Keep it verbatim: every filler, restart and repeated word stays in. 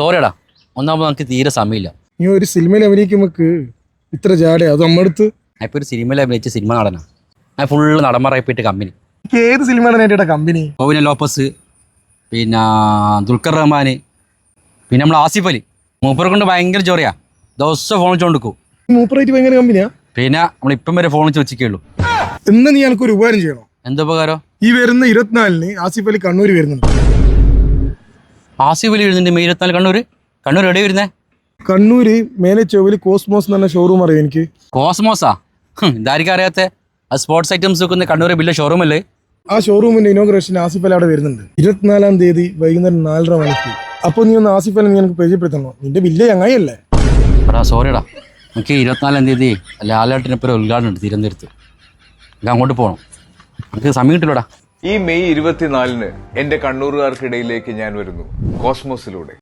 സോറിയടാ, ഒന്നാമത് നമുക്ക് തീരെ സമയമില്ല. നീ ഒരു സിനിമയിൽ അഭിനയിക്കുമ്പോക്ക് ഇത്ര ജാട അത് നമ്മളടുത്ത്. ഞാൻ ഇപ്പോൾ ഒരു സിനിമയിൽ അഭിനയിച്ച സിനിമ നടനാണ്. ഞാൻ ഫുള്ള് നടന്മാരായിപ്പോയിട്ട് കമ്പനി. ഏത് സിനിമയാണ് നേരിട്ട കമ്പനി? ടോവിനോ ലോപ്പസ്, പിന്നെ ദുൽഖർ റഹ്മാൻ, പിന്നെ നമ്മൾ ആസിഫ് അലി. മൂപ്പറെ കൊണ്ട് ഭയങ്കര ജോറിയാ, ദിവസം ഫോൺ വെച്ചുകൊണ്ടിരിക്കും. മൂപ്പറായിട്ട് ഭയങ്കര കമ്പനിയാ. പിന്നെ നമ്മളിപ്പം വരെ ഫോൺ വെച്ച് വെച്ചിട്ടുള്ളൂ. ഇന്ന് നീ എനിക്കൊരു ഉപകാരം ചെയ്യണം. എന്താ ഉപകാരം? ഈ വരുന്ന ഇരുപത്തിനാലിന് ആസിഫ് അലി കണ്ണൂർ വരുന്നുണ്ട്. ആസിഫ് അലി വരുന്നുണ്ട് മെയ് ഇരുപത്തിനാല് കണ്ണൂർ. കണ്ണൂർ എവിടെ വരുന്നേ? കണ്ണൂര് മേലെ ചൊവ്വല് കോസ്മോസ് എന്ന് പറഞ്ഞ ഷോറൂം അറിയാം എനിക്ക്. കോസ്മോസാ? ഇതായിരിക്കും അറിയാത്ത? അത് സ്പോർട്സ് ഐറ്റംസ് വെക്കുന്ന കണ്ണൂർ വലിയ ഷോറൂം അല്ലേ? ആ ഷോറൂമിന്റെ ഇനോഗ്രേഷൻ ആസിഫ് അലി അവിടെ വരുന്നുണ്ട് ഇരുപത്തിനാലാം തീയതി വൈകുന്നേരം നാലര മണിക്ക്. അപ്പോൾ നീ ഒന്ന് ആസിഫ് അലി നീ എനിക്ക് പരിചയപ്പെടുത്തണോ? നിന്റെ വലിയ ചങ്ങായിയല്ലേ? എടാ സോറിയടാ, എനിക്ക് ഇരുപത്തിനാലാം തീയതി ലാലേട്ടനൊപ്പം ഉദ്ഘാടനം ഉണ്ട് തിരുവനന്തപുരത്ത്. എനിക്ക് അങ്ങോട്ട് പോകണം, എനിക്ക് സമയം കിട്ടില്ലടാ. ഈ മെയ് ഇരുപത്തിനാലിന് എന്റെ കണ്ണൂറുകാർക്കിടയിലേക്ക് ഞാൻ വരുന്നു കോസ്മോസിലൂടെ.